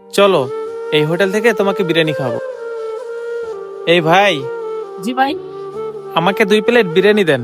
চলো, এই হোটেল থেকে তোমাকে বিরিয়ানি খাবো। এই ভাই, জি ভাই। আমাকে 2 প্লেট বিরিয়ানি দেন।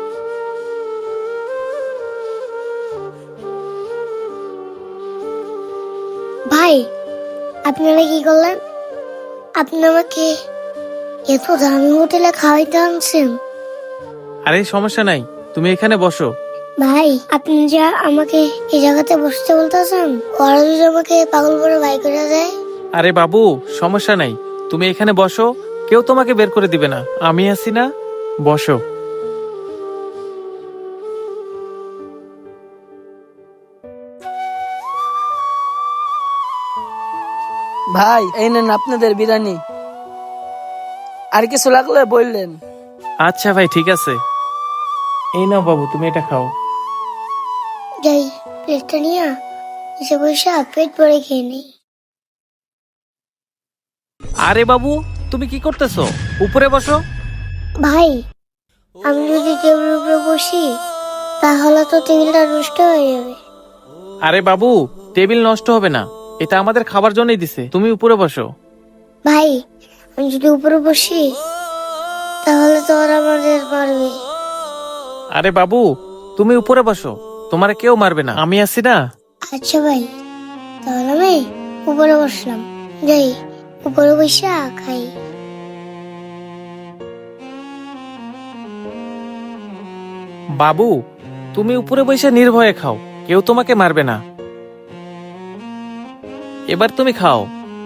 ভাই, আপনারা কি করলেন? আপনি আমাকে এত দামি হোটেলে খাওয়াইতে আনছেন? আরে সমস্যা নাই, তুমি এখানে বসো। ভাই, আপনি যা আমাকে এই জায়গাতে বসতে বলতেছেন, ওরা যদি আমাকে পাগল করে বাই করে দেয়? আরে বাবু, সমস্যা নাই, তুমি এখানে বসো। কেউ তোমাকে বের করে দিবে না, আমি আছি না। বসো। ভাই এই নেন আপনাদের বিরিয়ানি। আর কিছু লাগলে বললেন। আচ্ছা ভাই, ঠিক আছে। এই নাও বাবু, তুমি এটা খাও। যাই, প্লেটটা নিয়ে এসে বসে পেট ভরে খেয়ে নেই। আরে বাবু, তুমি কি করতেছো? উপরে বসো। ভাই, আমি যদি টেবিলের উপরে বসি তাহলে তো টেবিলটা নষ্ট হয়ে যাবে। আরে বাবু, টেবিল নষ্ট হবে না, এটা আমাদের খাবার জন্যই দিছে, তুমি উপরে বসো। ভাই, আমি যদি উপরে বসি তাহলে তো ওরা আমাদের মারবে। আরে বাবু, তুমি উপরে বসো, তোমার কেউ মারবে না, আমি আছি না। আচ্ছা ভাই, তাহলে আমি উপরে বসলাম। যাই, উপরে বসে খাই। বাবু, তুমি উপরে বসে নির্ভয়ে খাও, কেউ তোমাকে মারবে না। এবার তুমি খাও।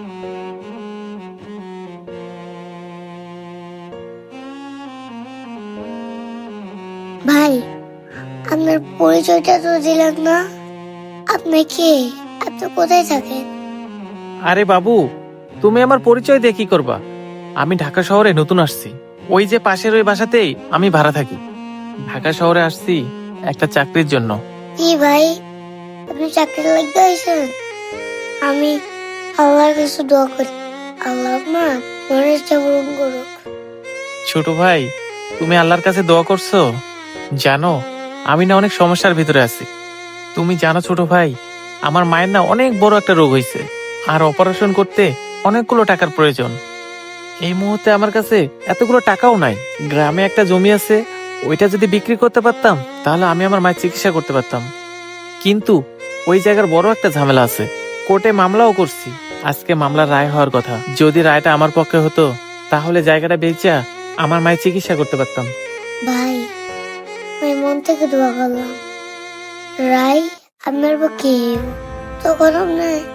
ভাই, আপনার পরিচয়টা তো দিলেন না। আপনি কে? আপনি কোথায় থাকেন? আরে বাবু, তুমি আমার পরিচয় দিয়ে কি করবা? আমি ঢাকা শহরে নতুন আসছি, ওই যে পাশের ওই বাসাতেই আমি ভাড়া থাকি। ঢাকা শহরে আসছি একটা চাকরির জন্য। কি ভাই, আপনি চাকরি লাগতে হয়েছেন? আমি আল্লাহর কাছে দোয়া করি, আল্লাহ আপনার মনের ইচ্ছা পূরণ করুক। ছোট ভাই, তুমি আল্লাহর কাছে দোয়া করছো? জানো, আমি না অনেক সমস্যার ভিতরে আছি। তুমি জানো ছোট ভাই, আমার মায়ের না অনেক বড় একটা রোগ হয়েছে, আর অপারেশন করতে অনেকগুলো টাকার প্রয়োজন। এই মুহূর্তে আমার কাছে এতগুলো টাকাও নাই। গ্রামে একটা জমি আছে, ওইটা যদি বিক্রি করতে পারতাম তাহলে আমি আমার মায়ের চিকিৎসা করতে পারতাম। কিন্তু ওই জায়গার বড় একটা ঝামেলা আছে, কোর্টে মামলাও করছি। আজকে মামলার রায় হওয়ার কথা, যদি রায়টা আমার পক্ষে হতো তাহলে জায়গাটা বেচা আমার মায়ের চিকিৎসা করতে পারতাম। ভাই, আমি মন থেকে দোয়া করলাম রাই আপনার পক্ষে তখন আপনি